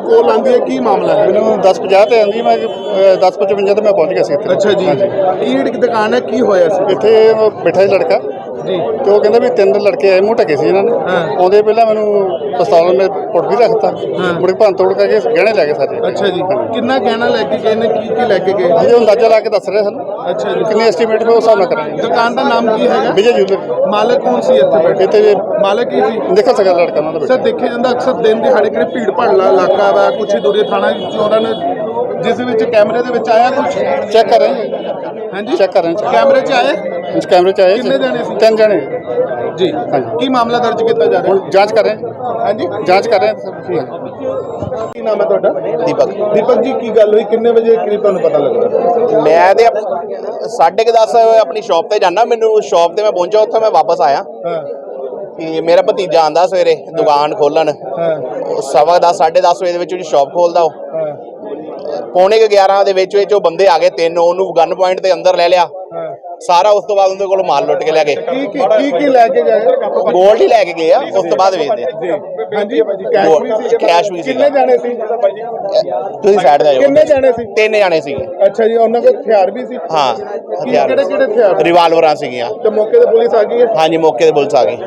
ਕੋਲ ਆਂਦੀ ਹੈ ਕੀ ਮਾਮਲਾ ਹੈ? ਮੈਨੂੰ 10:50 ਤੇ ਆਂਦੀ, ਮੈਂ 10:55 ਤੇ मैं पहुंच गया ਸੀ ਇੱਥੇ। ਅੱਛਾ ਜੀ, ਕੀ ਦੁਕਾਨ ਹੈ, ਕੀ ਹੋਇਆ ਸੀ ਇੱਥੇ ਬੈਠਾ ਸੀ ਲੜਕਾ ਜੀ? ਤੇ ਉਹ ਕਹਿੰਦਾ ਵੀ 3 ਲੜਕੇ ਆਏ, ਮੂੰਹ ਢਕੇ ਸੀ ਇਹਨਾਂ ਨੇ। ਆਉਂਦੇ ਪਹਿਲਾਂ ਮੈਨੂੰ ਪਿਸਤੌਲ ਮੇ ਪੁੱਟ ਵੀ ਰੱਖਤਾ, ਮੁੜ ਕੇ ਭੰਨ ਤੋੜ ਕਰਕੇ ਗਹਿਣੇ ਲੈ ਗਏ ਸਾਰੇ। ਅੱਛਾ ਜੀ, ਕਿੰਨਾ ਗਹਿਣਾ ਲੈ ਕੇ ਗਏ ਨੇ, ਕੀ ਲੈ ਕੇ ਗਏ? ਅਜੇ ਅੰਦਾਜ਼ਾ ਲਾ ਕੇ ਦੱਸ ਰਹੇ ਸਾਨੂੰ। ਅੱਛਾ ਜੀ, ਕਿੰਨੇ ਐਸਟੀਮੇਟ ਵੀ ਉਸ ਹਿਸਾਬ ਨਾਲ ਕਰਾਂਗੇ। ਦੁਕਾਨ ਦਾ ਨਾਮ ਕੀ ਹੈਗਾ? ਵਿਜੇ ਜੂਲਰ। ਮਾਲਕ ਕੌਣ ਸੀ ਇੱਥੇ ਬੈਠੇ? ਇੱਥੇ ਮਾਲਕ ਹੀ ਸੀ? ਦੇਖੋ ਸਕਦਾ ਲੜਕਾ ਉਹਨਾਂ ਦਾ ਸਰ ਦੇਖਿਆ ਜਾਂਦਾ ਅਕਸਰ ਦਿਨ ਦਿਹਾੜੇ ਕਿਹੜੇ ਭੀੜ ਭਾੜਲਾ ਇਲਾਕਾ ਵਾ, ਕੁਛ ਹੀ ਦੂਰੇ ਥਾਣਾ ਚੋਰਾਂ ਨੇ ਜਿਸ ਵਿੱਚ ਕੈਮਰੇ ਦੇ ਵਿੱਚ ਆਇਆ ਕੁਛ ਚੈੱਕ ਕਰ ਰਹੇ ਹਾਂਜੀ ਚੈੱਕ ਕਰ ਰਹੇ ਕੈਮਰੇ 'ਚ ਆਏ? ਕੈਮਰੇ 'ਚ ਆਏ। ਕਿੰਨੇ ਜਾਣੇ ਸੀ? 3 ਜਣੇ ਜੀ ਹਾਂਜੀ। ਕੀ ਮਾਮਲਾ ਦਰਜ ਕੀਤਾ ਜਾ ਰਿਹਾ? ਹੁਣ ਜਾਂਚ ਕਰ ਰਹੇ ਹਾਂਜੀ, ਜਾਂਚ ਕਰ ਰਹੇ ਸਰ। ਕੀ ਨਾਮ ਹੈ ਤੁਹਾਡਾ? ਦੀਪਕ। ਦੀਪਕ ਜੀ, ਕੀ ਗੱਲ ਹੋਈ, ਕਿੰਨੇ ਵਜੇ ਕਰੀਬ ਤੁਹਾਨੂੰ ਪਤਾ ਲੱਗਾ? ਮੈਂ ਤੇ 10:30 ਆਪਣੀ ਸ਼ਾਪ ਤੇ ਜਾਣਾ, ਮੈਨੂੰ ਸ਼ਾਪ ਤੇ ਮੈਂ ਪਹੁੰਚਾ, ਉੱਥੇ ਮੈਂ ਵਾਪਸ ਆਇਆ ਹਾਂ ਕਿ ਮੇਰਾ ਭਤੀਜਾ ਆਂਦਾ ਸਵੇਰੇ ਦੁਕਾਨ ਖੋਲਣ। ਹਾਂ 10:15 10:30 ਵਜੇ ਦੇ ਵਿੱਚ ਉਹਦੀ ਸ਼ਾਪ ਖੋਲਦਾ। ਉਹ ਹਾਂ 11:45 ਦੇ ਵਿੱਚ ਉਹ ਬੰਦੇ ਆ ਗਏ 3, ਉਹਨੂੰ ਗਨ ਪੁਆਇੰਟ ਤੇ ਅੰਦਰ ਲੈ ਲਿਆ ਹਾਂ ਸਾਰਾ। ਉਸ ਤੋਂ ਬਾਅਦ ਉਹਦੇ ਕੋਲ ਮਾਲ ਲੁੱਟ ਕੇ ਲੈ ਗਏ। ਕੀ ਲੈ ਕੇ ਗਏ? ਗੋਲਡ ਹੀ ਲੈ ਕੇ ਗਏ ਆ, ਉਸ ਤੋਂ ਬਾਅਦ ਵੇਚਦੇ ਆ। ਜੀ ਹਾਂਜੀ, ਕੈਸ਼ ਵੀ ਸੀ? ਕੈਸ਼ ਵੀ ਸੀ। ਕਿੰਨੇ ਜਾਣੇ ਸੀ? ਤੁਸੀਂ ਸਾਈਡ ਤੇ ਆ ਜਾਓ। ਕਿੰਨੇ ਜਾਣੇ ਸੀ? 3 ਜਾਣੇ ਸੀਗੇ। ਅੱਛਾ ਜੀ, ਉਹਨਾਂ ਕੋਲ ਹਥਿਆਰ ਵੀ ਸੀ? ਹਾਂ, ਹਥਿਆਰ ਕਿਹੜੇ ਹਥਿਆਰ? ਰਿਵਾਲਵਰਾਂ ਸੀਗੀਆਂ। ਤੇ ਮੌਕੇ ਤੇ ਪੁਲਿਸ ਆ ਗਈ ਹੈ? ਹਾਂਜੀ, ਮੌਕੇ ਤੇ ਪੁਲਿਸ ਆ ਗਈ।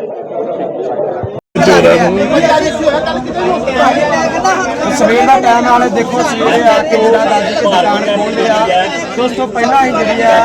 ਸਵੇਰ ਦਾ ਟਾਈਮ ਵਾਲੇ ਦੇਖੋ ਸਵੇਰੇ ਆ ਕੇ ਜਿਹੜਾ ਦਾਦੀ ਦੀ ਦੁਕਾਨ ਖੋਲ੍ਹਦੇ ਆ, ਉਸ ਤੋਂ ਪਹਿਲਾਂ ਹੀ ਜਿਹੜੀ ਆ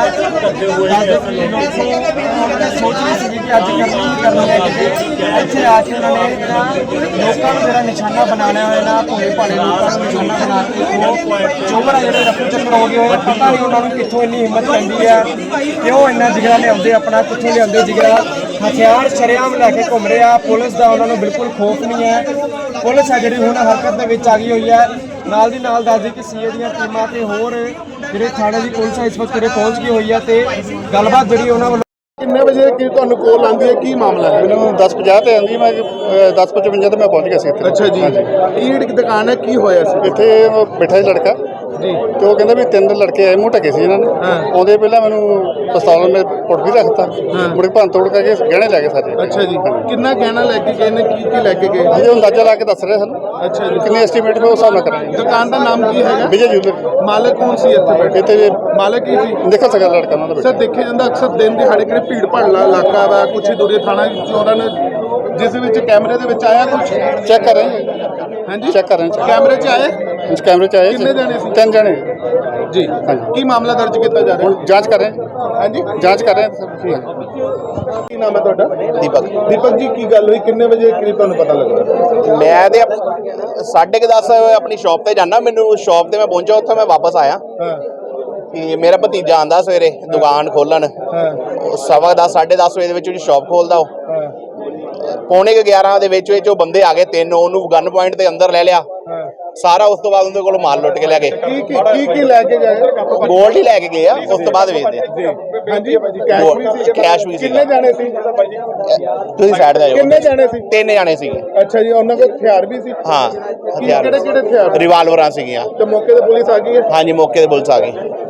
ਸੋਚ ਰਹੀ ਸੀ ਕਿ ਅੱਜ ਕਰਨੀ ਹੈ ਕਿਤੇ ਇੱਥੇ ਆ ਕੇ ਉਹਨਾਂ ਨੇ ਲੋਕਾਂ ਨੂੰ ਜਿਹੜਾ ਨਿਸ਼ਾਨਾ ਬਣਾ ਲਿਆ ਹੋਇਆ ਨਾ, ਭੋਲੇ ਭਾਲੇ ਲੋਕਾਂ ਨੂੰ ਨਿਸ਼ਾਨਾ ਬਣਾ ਕੇ ਉਹ ਚੋਬਰ ਆ ਜਿਹੜੇ ਰਫੂ ਚੱਕਰ ਹੋ ਗਏ ਹੋਏ, ਪਤਾ ਨਹੀਂ ਉਹਨਾਂ ਨੂੰ ਕਿੱਥੋਂ ਇੰਨੀ ਹਿੰਮਤ ਪੈਂਦੀ ਆ, ਕਿਉਂ ਇੰਨਾ ਜਿਗਰਾ ਲਿਆਉਂਦੇ, ਆਪਣਾ ਕਿੱਥੋਂ ਲਿਆਉਂਦੇ ਜਿਗਰਾ। ਹਥਿਆਰ ਸ਼ਰੇਆਮ ਲੈ ਕੇ ਘੁੰਮ ਰਹੇ ਆ। ਪੁਲਿਸ ਦਾ ਉਹਨਾਂ ਨੂੰ ਬਿਲਕੁਲ ਖੌਫ ਨਹੀਂ ਹੈ। ਪੁਲਿਸ ਆ ਜਿਹੜੀ ਹੁਣ ਹਰਕਤ ਦੇ ਵਿੱਚ ਆ ਗਈ ਹੋਈ ਹੈ। ਨਾਲ ਦੀ ਨਾਲ ਦੱਸਦੀ ਕਿ ਸੀਏ ਦੀਆਂ ਟੀਮਾਂ ਤੇ ਹੋਰ ਜਿਹੜੇ ਥਾਣੇ ਦੀ ਪੁਲਿਸ ਹੈ ਇਸ ਵਕਤ ਪਹੁੰਚ ਗਈ ਹੋਈ ਹੈ ਤੇ ਗੱਲਬਾਤ ਜਿਹੜੀ ਉਹਨਾਂ ਵੱਲੋਂ। ਕਿੰਨੇ ਵਜੇ ਕੀ ਤੁਹਾਨੂੰ ਕੋਲ ਆਂਦੀ ਹੈ, ਕੀ ਮਾਮਲਾ ਹੈ? ਮੈਨੂੰ 10:50 ਤੇ ਆਂਦੀ, ਮੈਂ 10:55 ਤੇ ਮੈਂ ਪਹੁੰਚ ਗਿਆ ਸੀ ਇੱਥੇ। ਅੱਛਾ ਜੀ, ਕੀ ਦੁਕਾਨ ਹੈ, ਕੀ ਹੋਇਆ ਸੀ? ਇੱਥੇ ਬੈਠਾ ਸੀ ਲੜਕਾ ਜੀ ਤੇ ਉਹ ਕਹਿੰਦਾ ਵੀ 3 ਲੜਕੇ ਆਏ, ਮੂੰਹ ਢਕੇ ਸੀ ਇਹਨਾਂ ਨੇ। ਆਉਂਦੇ ਪਹਿਲਾਂ ਮੈਨੂੰ ਪਿਸਤੌਲ ਮੇ ਪੁੱਟ ਵੀ ਰੱਖਤਾ, ਮੁੜ ਕੇ ਭੰਨ ਤੋੜ ਕਰਕੇ ਗਹਿਣੇ ਲੈ ਗਏ ਸਾਰੇ। ਅੱਛਾ ਜੀ, ਕਿੰਨਾ ਗਹਿਣਾ ਲੈ ਕੇ ਗਏ ਨੇ, ਕੀ ਲੈ ਕੇ ਗਏ? ਅਜੇ ਅੰਦਾਜ਼ਾ ਲਾ ਕੇ ਦੱਸ ਰਹੇ ਸਾਨੂੰ। ਅੱਛਾ ਜੀ, ਕਿੰਨੇ ਐਸਟੀਮੇਟ ਵੀ ਉਸ ਹਿਸਾਬ ਨਾਲ ਕਰਾਂਗੇ। ਦੁਕਾਨ ਦਾ ਨਾਮ ਕੀ ਹੈਗਾ? ਵਿਜੇ ਜੂਲਰ। ਮਾਲਕ ਕੌਣ ਸੀ ਇੱਥੇ ਬੈਠੇ? ਇੱਥੇ ਮਾਲਕ ਹੀ ਸੀ? ਦੇਖੋ ਸਕਦਾ ਲੜਕਾ ਉਹਨਾਂ ਦਾ। ਸਰ ਦੇਖਿਆ ਜਾਂਦਾ ਅਕਸਰ ਦਿਨ ਦਿਹਾੜੇ ਕਿਹੜੇ ਭੀੜ ਭਾੜਲਾ ਇਲਾਕਾ ਵਾ, ਕੁਛ ਹੀ ਦੂਰੇ ਥਾਣਾ ਚੋਰਾਂ ਨੇ ਜਿਸ ਵਿੱਚ ਕੈਮਰੇ ਦੇ ਵਿੱਚ ਆਇਆ ਕੁਛ ਚੈੱਕ ਕਰ ਰਹੇ ਹਾਂਜੀ ਚੈੱਕ ਕਰ ਰਹੇ ਕੈਮਰੇ 'ਚ ਆਏ? ਕੈਮਰੇ 'ਚ ਆਏ। ਕਿੰਨੇ ਜਾਣੇ ਸੀ? 3 ਜਣੇ ਜੀ ਹਾਂਜੀ। ਕੀ ਮਾਮਲਾ ਦਰਜ ਕੀਤਾ ਜਾ ਰਿਹਾ? ਹੁਣ ਜਾਂਚ ਕਰ ਰਹੇ ਹਾਂਜੀ, ਜਾਂਚ ਕਰ ਰਹੇ ਸਰ। ਕੀ ਨਾਮ ਹੈ ਤੁਹਾਡਾ? ਦੀਪਕ। ਦੀਪਕ ਜੀ, ਕੀ ਗੱਲ ਹੋਈ, ਕਿੰਨੇ ਵਜੇ ਕਰੀਬ ਤੁਹਾਨੂੰ ਪਤਾ ਲੱਗਾ? ਮੈਂ ਤੇ 10:30 ਆਪਣੀ ਸ਼ਾਪ ਤੇ ਜਾਣਾ, ਮੈਨੂੰ ਸ਼ਾਪ ਤੇ ਮੈਂ ਪਹੁੰਚਾ, ਉੱਥੇ ਮੈਂ ਵਾਪਸ ਆਇਆ ਹਾਂ ਕਿ ਮੇਰਾ ਭਤੀਜਾ ਆਂਦਾ ਸਵੇਰੇ ਦੁਕਾਨ ਖੋਲਣ। ਹਾਂ 10:15 10:30 ਵਜੇ ਦੇ ਵਿੱਚ ਉਹਦੀ ਸ਼ਾਪ ਖੋਲਦਾ। ਉਹ ਹਾਂ 11:45 ਦੇ ਵਿੱਚ ਉਹ ਬੰਦੇ ਆ ਗਏ 3, ਉਹਨੂੰ ਗਨ ਪੁਆਇੰਟ ਤੇ ਅੰਦਰ ਲੈ ਲਿਆ ਹਾਂ ਸਾਰਾ। ਉਸ ਤੋਂ ਬਾਅਦ ਉਹਦੇ ਕੋਲ ਮਾਲ ਲੁੱਟ ਕੇ ਲੈ ਗਏ। ਕੀ ਲੈ ਕੇ ਗਏ? ਗੋਲਡ ਹੀ ਲੈ ਕੇ ਗਏ ਆ, ਉਸ ਤੋਂ ਬਾਅਦ ਵੇਚਦੇ ਆ। ਜੀ ਹਾਂਜੀ, ਕੈਸ਼ ਵੀ ਸੀ? ਕੈਸ਼ ਵੀ ਸੀ। ਕਿੰਨੇ ਜਾਣੇ ਸੀ? ਤੁਸੀਂ ਸਾਈਡ ਤੇ ਆ ਜਾਓ। ਕਿੰਨੇ ਜਾਣੇ ਸੀ? 3 ਜਾਣੇ ਸੀਗੇ। ਅੱਛਾ ਜੀ, ਉਹਨਾਂ ਕੋਲ ਹਥਿਆਰ ਵੀ ਸੀ? ਹਾਂ, ਹਥਿਆਰ ਕਿਹੜੇ ਹਥਿਆਰ? ਰਿਵਾਲਵਰਾਂ ਸੀਗੀਆਂ। ਤੇ ਮੌਕੇ ਤੇ ਪੁਲਿਸ ਆ ਗਈ ਹੈ? ਹਾਂਜੀ, ਮੌਕੇ ਤੇ ਪੁਲਿਸ ਆ ਗਈ।